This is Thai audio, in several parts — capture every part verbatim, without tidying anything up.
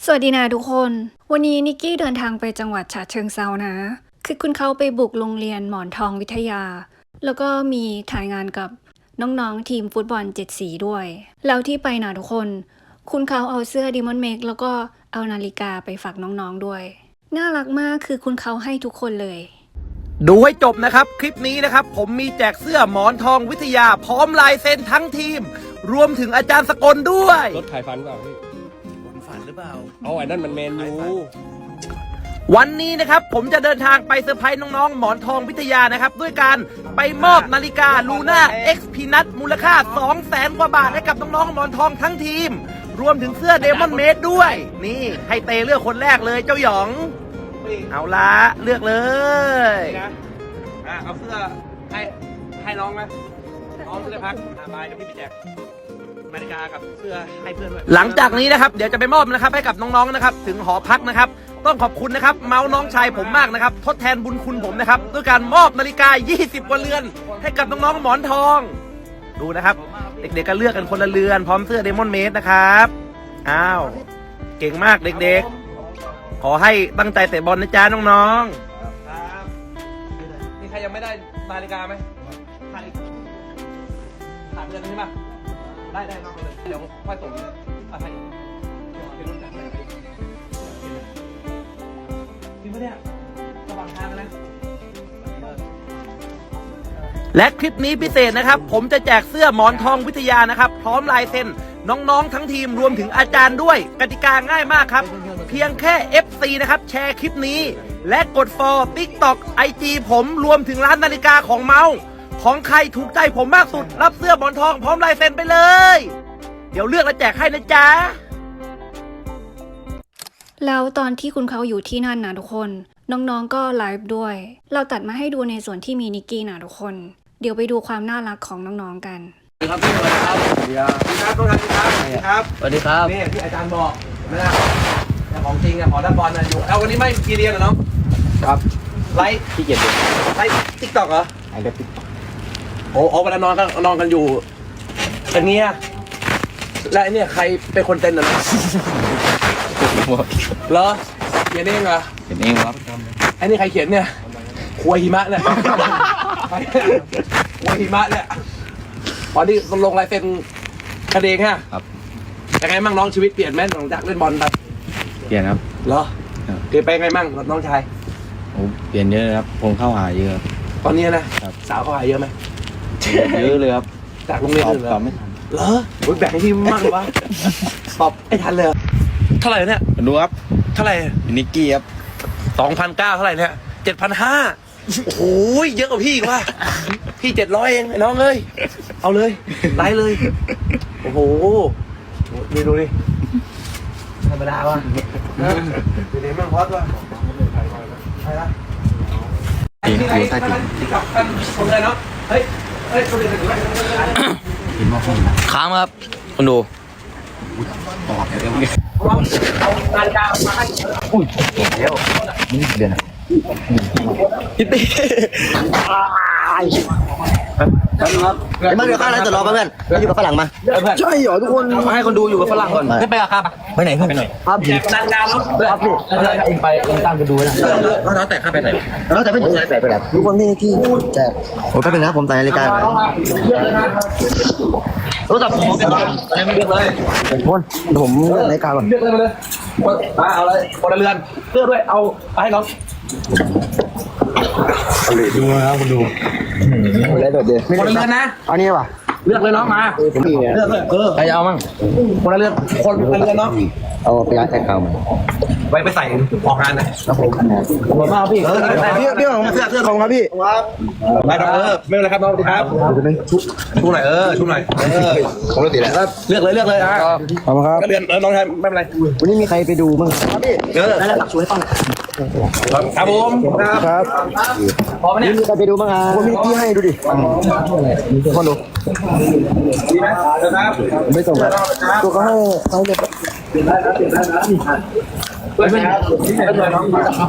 สวัสดีนะทุกคน วันนี้นิกกี้เดินทางไปจังหวัดฉะเชิงเทรานะ คือคุณเขาไปบุกโรงเรียนหมอนทองวิทยา แล้วก็มีถ่ายงานกับน้องๆทีมฟุตบอลเจ็ดสีด้วย แล้วที่ไปนะทุกคน คุณเขาเอาเสื้อดิมอนเมกแล้วก็เอานาฬิกาไปฝากน้องๆด้วย น่ารักมากคือคุณเขาให้ทุกคนเลยดูให้จบนะครับคลิปนี้นะครับผมมีแจกเสื้อหมอนทองวิทยาพร้อมลายเซ็นทั้งทีม รวมถึงอาจารย์สกลด้วยรถขายฟันเปล่าพี่ฝันหรือเปล่าเอาไอ้นั่นมันแมนยูวันนี้นะครับผมจะเดินทางไปเซอร์ไพรส์น้องๆหมอนทองวิทยานะครับด้วยการไปมอบนาฬิกาลูน่า X พีนัทมูลค่า สองแสน กว่าบาทให้กับน้องๆหมอนทองทั้งทีม รวมถึงเสื้อเดมอนเมดด้วย นี่ให้เตเลือกคนแรกเลยเจ้าหยอง เอาละเลือกเลยนะอ่ะเอาเสื้อให้ให้น้องไหมน้องจะพักอ่ะบายเดี๋ยวพี่ไปแจกนาฬิกากับเสื้อให้เพื่อนด้วยหลังจากนี้นะครับเดี๋ยวจะไปมอบนะครับให้กับน้องๆนะครับถึงหอพักนะครับต้องขอบคุณนะครับเมาส์น้องชายผมมากนะครับทดแทนบุญคุณผมนะครับด้วยการมอบนาฬิกายี่สิบกว่าเรือนให้กับน้องๆหมอนทองดูนะครับเด็กๆก็เลือกกันคนละเรือนพร้อมเสื้อเดมอนเมดนะครับอ้าวเก่งมากเด็กๆขอให้ตั้งใจเตะบอลนะจ๊ะน้องๆครับมีใครยังไม่ได้นาฬิกาไหมขาดอีกขาดเดือนนึงใช่ไหมได้ได้น้องเลยเดี๋ยวค่อยส่งอะไรเป็นรุ่นจากไหนจริงปะเนี่ยระหว่างทางนะและคลิปนี้พิเศษนะครับผมจะแจกเสื้อหมอนทองวิทยานะครับพร้อมลายเซ็นน้องๆทั้งทีมรวมถึงอาจารย์ด้วยกติกาง่ายมากครับเพียงแค่ เอฟ ซี นะครับแชร์คลิปนี้และกด follow ติ๊กต็อก ไอ จี ผมรวมถึงร้านนาฬิกาของเมาส์ของใครถูกใจผมมากสุดรับเสื้อหมอนทองพร้อมลายเซ็นไปเลยเดี๋ยวเลือกและแจกให้นะจ๊ะแล้วตอนที่คุณเขาอยู่ที่นั่นนะทุกคน น้องๆก็ไลฟ์ด้วย เราตัดมาให้ดูในส่วนที่มีนิกกี้นะทุกคน เดี๋ยวไปดูความน่ารักของน้องๆกันสวัสดีครับพี่สวัสดีครับสวัสดีครับครับทุกท่านครับสวัสดีครับสวัสดีครับนี่ที่อาจารย์บอกนะแต่ของจริงอะหมอด้านบอลนะอยู่เอาวันนี้ไม่มีเรียนเหรอน้องครับไลฟ์พี่เกียรติไลฟ์ติ๊กต็อกเหรอไอ้เด็กติ๊กโอ้โอ้เวลานอนก็นอนกันอยู่อย่างเงี้ยและไอ้เนี่ยใครเป็นคนเต้นน่ะนะเหรอเขียนเองเหรอเป็นเองครับไอ้นี่ใครเขียนเนี่ยควยหิมะเนี่ยควยหิมะเนี่ยตอนนี้ลงลายเซ็นคดีฮะครับยังไงมั่งน้องชีวิตเปลี่ยนไหมหลังจากเล่นบอลแบบเปลี่ยนครับเหรอครับเปลี่ยนไปไงมั่งน้องชายโอ้เปลี่ยนเยอะครับผมเข้าหาเยอะครับตอนนี้นะครับ สาวเขาหายเยอะไหมเยอะเลยครับจากโรงเรียนตอบอื่นเหรตออบไม่ทันเหรอโอ้ยแบ่งให้พี่มากเลยวะตอบไอ้ทันเลยเหรอเท่าไหร่เนี่ยดูครับเท่าไหร่นิกกี้ครับสองพันเก้าเท่าไหร่เนี่ยเจ็ดพันห้าโอ้โหเยอะกว่าพี่อีกว่ะพี่เจ็ดร้อยเองไอ้น้องเอ้ยเอาเลยไลฟ์เลยโอ้โหดูดูดิธรรมดาว่ะนะดูดิแม่งฮอตว่ะใช่ละจริงคือใต้ติ่งที่กับกันคนเลยเนาะเฮ้ยเฮ้ยคนเดียวกันอยู่ไหมเห็นว่าห้องค้างครับคุณดูออกเดี๋ยวเดี๋ยวเอานาฬิกามาให้อุ้ยเดี๋ยวนี่เดือนพี่ตีไอ้มันเดี๋ยวข้างนั้นจะรอป่ะเพื่อนไปอยู่กับฝรั่งมาใช่เหรอทุกคนมาให้คนดูอยู่กับฝรั่งก่อนไม่ไปอะครับไปไหนเพื่อนไปไหนครับแจกนาฬิกาแล้วครับพี่แล้วเองไปเองตามกันดูนะแล้วน้องแต่ข้าไปไหนแล้วแต่ไม่ถึงไหนไปไหนทุกคนนี่ที่แจกผมก็เป็นนะผมใส่นาฬิกาไปรู้จักผมอะไรไม่เลือกเลยคนผมเลือกนาฬิกาก่อนเลือกเลยมาเลยมาเอาเลยคนละเรือนเลือกด้วยเอาไปให้น้องดูนะครับคุณดูอะไรแบบเดียวคนละเรือนนะอันนี้ป่ะเลือกเลยน้องมาผมมีเลือกเลยเออใครจะเอามั่งคนละเรือนคนละเรือนเนาะเอาไปร้านแท็กเขามาไว้ไปใส่ออกงานนะครับผมขอบคุณมากพี่พี่พี่ของเสื้อเสื้อของครับพี่ไปน้องเออไม่เป็นไรครับน้องสวัสดีครับชุชูหน่อยเออชูหน่อยเออของรถติดแล้วเลือกเลยเลือกเลยอ่ะขอบคุณครับก็เรือนเออน้องชายไม่เป็นไรวันนี้มีใครไปดูมั่งครับพี่เออได้แล้วตักช่วยต้องครับผมครับครับพอไหมเนี่ยมีใครไปดูบ้างอ่ะคนมีที่ให้ดูดิคนดูดีไหมครับไม่ส่งแบบตัวเขาให้เขาเรียกเพื่อนครับเพื่อนน้องครับ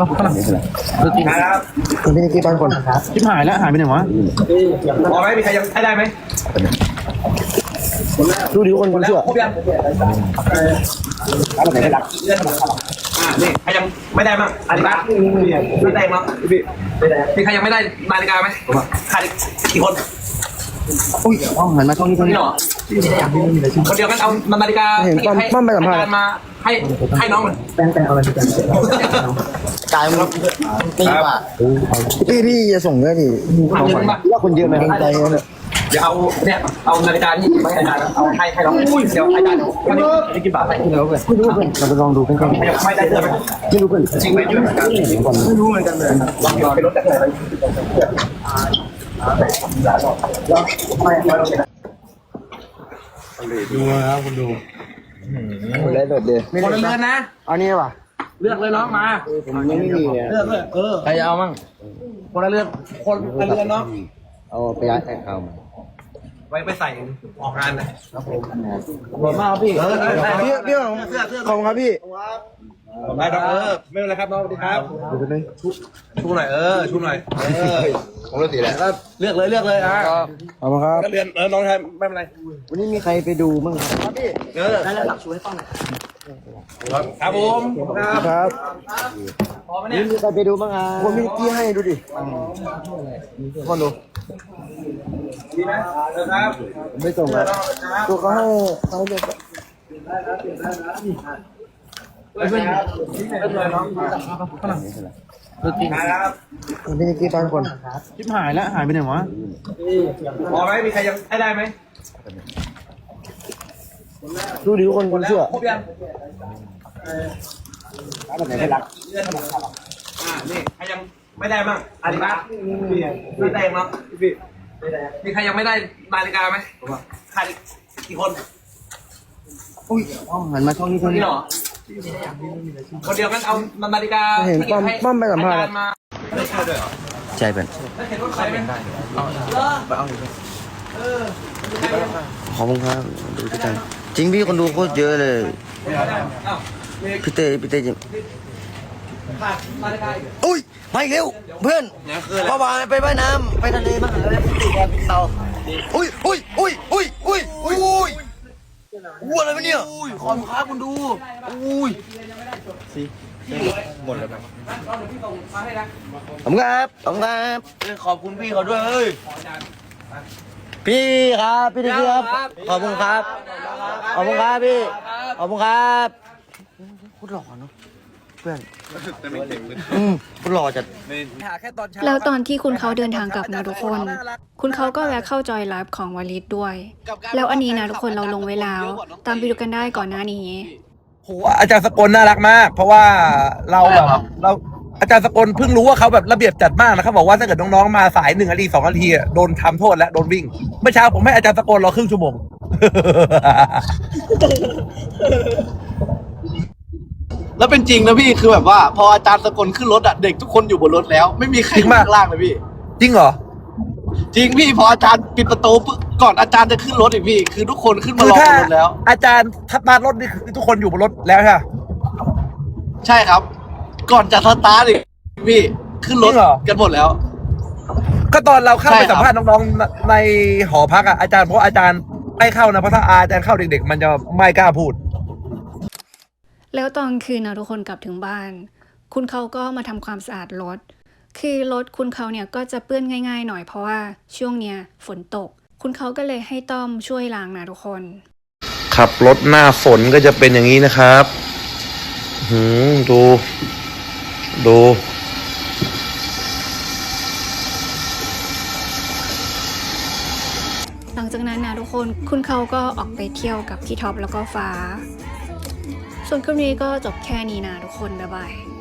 คนที่นี่กี่บ้านคนชิบหายแล้วหายไปไหนวะพอไหมมีใครยังให้ได้ไหมดูดิทุกคนคุณเชื่อครบยังร้านไหนไม่รักอ่านี่ใครยังไม่ได้มั้งอันนี้บ้างไม่ได้มั้งพี่มีใครยังไม่ได้นาฬิกาไหมขาดอีกกี่คนอุ้ยอ๋อหันมาช่องนี้ช่องนี่นี้เหรอคนเดียวกันเอานาฬิกาเห็นป้อมป้อมไปสัมภาษณ์อาจารย์มาให้ให้น้องมันแป้งแป้งเอาอะไรดีกันกายมันตีกว่าพี่พี่จะส่งด้วยดิว่าคนเยอะไหมใจเนี่ยเดี๋ยวเอาเนี่ยเอานาฬิกานี่ไม่ให้อาจารย์เอาให้ให้น้องเดี๋ยวอาจารย์วันนี้ได้กี่บาทไหมไม่รู้เพื่อนไม่รู้เพื่อนเราไปลองดูเพื่อนไม่ได้เจอไหมไม่รู้เพื่อนจริงไหมเยอะเหมือนกันไม่รู้เหมือนกันเลยลองไปรถจากไหนดูนะครับคุณดูเลยโดดเดียวคนละเรือนนะเอานี่ป่ะเลือกเลยน้องมาผมยังไม่มีเนี่ยเลือกเลยเออใครจะเอามั่งคนละเรือนคนละเรือนเนาะเอาไปย้ายใส่ข้าวมาไว้ไปใส่ออกงานนะขอบคุณมากพี่พี่พี่ของขอบคุณครับพี่ได้ครับเออไม่เป็นไรครับน้องสวัสดีครับดูกันเลยชูหน่อยเออชูหน่อยเออผมรู้สีแล้วแล้วเลือกเลยเลือกเลยอ่ะขอบคุณครับก็เรือนเออน้องชายไม่เป็นไรวันนี้มีใครไปดูบ้างครับพี่เออได้แล้วหลักชูให้ฟังหน่อยครับผมครับครับพอไหมนี่เนี่ยมีใครไปดูบ้างอ่ะผมมีกี้ให้ดูดิคนดูดีไหมเออครับผมไม่ส่งครับตัวเขาให้เขาจะเพื่อนเพื่อนน้องดูจริงครับพี่นิกกี้ตอนคนชิบหายแล้วหายไปไหนวะพอไหมมีใครยังให้ได้ไหมดูดิทุกคนคุณเชื่อครบยังร้านไหนไม่รักอ่านี่ใครยังไม่ได้บ้างอันนี้บ้างไม่ได้มั้งมีใครยังไม่ได้นาฬิกาไหมขาดอีกกี่คนอุ้ยอ๋อหันมาช่องนี้ช่องนี้นี่เหรอคนเดียวกันเอานาฬิกาเห็นป้อมป้อมไปสัมภาษณ์อาจารย์มาไม่ใช่ด้วยเหรอใช่เป็นแล้วเห็นว่าใครไหมขอบคุณครับดูด้วยกันจริงพี่คนดูโคตรเยอะเลยอ้าวมีพี่เต้พี่เต้จริงขาดนาฬิกาอีกอุ้ยมาอีกเร็วเพื่อนเมื่อวานไปว่ายน้ำไปทะเลมาหาอะไรติดแดดติดเตาอุ้ยอุ้ยอุ้ยอุ้ยอุ้ยอุ้ยอุ้ยวัวอะไรวะเนี่ยอุ้ยขอบคุณครับคุณดูอุ้ยเราเดี๋ยวพี่ส่งมาให้นะขอบคุณครับขอบคุณครับขอบคุณพี่เขาด้วยเฮ้ยพี่ครับพี่ดีครับขอบคุณครับขอบคุณครับพี่ขอบคุณครับโคตรหล่อเนาะเพื่อนอืมโคตรหล่อจัดแล้วตอนที่คุณเขาเดินทางกลับนะทุกคน คุณเขาก็แวะเข้าจอยไลฟ์ของวลิตด้วย แล้วอันนี้นะทุกคนเราลงไว้แล้ว ตามไปดูกันได้ก่อนหน้านี้โหอาจารย์สกลน่ารักมาก เพราะว่าเราแบบเราอาจารย์สกลเพิ่งรู้ว่าเขาแบบระเบียบจัดมากนะเขาบอกว่าถ้าเกิดน้องๆมาสายหนึ่งนาทีสองนาทีอะโดนทำโทษและโดนวิ่งเมื่อเช้าผมให้อาจารย์สกลรอครึ่งชั่วโมงแล้วเป็นจริงนะพี่คือแบบว่าพออาจารย์สกลขึ้นรถอะเด็กทุกคนอยู่บนรถแล้ว ไม่มีใครจริงอยู่ปะข้างล่างเลยพี่จริงเหรอจริงพี่พออาจารย์ปิดประตูปุ๊บก่อนอาจารย์จะขึ้นรถอีกพี่คือทุกคนขึ้นมาคือรอถ้าบนรถแล้วอาจารย์ทับตาร์ทรถนี่คือทุกคนอยู่บนรถแล้วใช่ไหมใช่ครับ ก่อนจะสตาร์ทอีกพี่ขึ้นรถจริงเหรอกันหมดแล้วก็ตอนเราเข้าใช่ไปครับสัมภาษณ์น้องๆในหอพักอะอาจารย์เพราะอาจารย์ไม่เข้านะเพราะถ้าอาจารย์เข้าเด็กๆ มันจะไม่กล้าพูดแล้วตอนคืนนะทุกคนกลับถึงบ้าน คุณเขาก็มาทำความสะอาดรถ คือรถคุณเขาเนี่ยก็จะเปื้อนง่ายๆหน่อยเพราะว่าช่วงเนี้ยฝนตก คุณเขาก็เลยให้ต้อมช่วยล้างนะทุกคนขับรถหน้าฝนก็จะเป็นอย่างนี้นะครับหืมดู ดูหลังจากนั้นนะทุกคน คุณเขาก็ออกไปเที่ยวกับพี่ท็อปแล้วก็ฟ้า ส่วนคลิปนี้ก็จบแค่นี้นะทุกคน บ๊ายบาย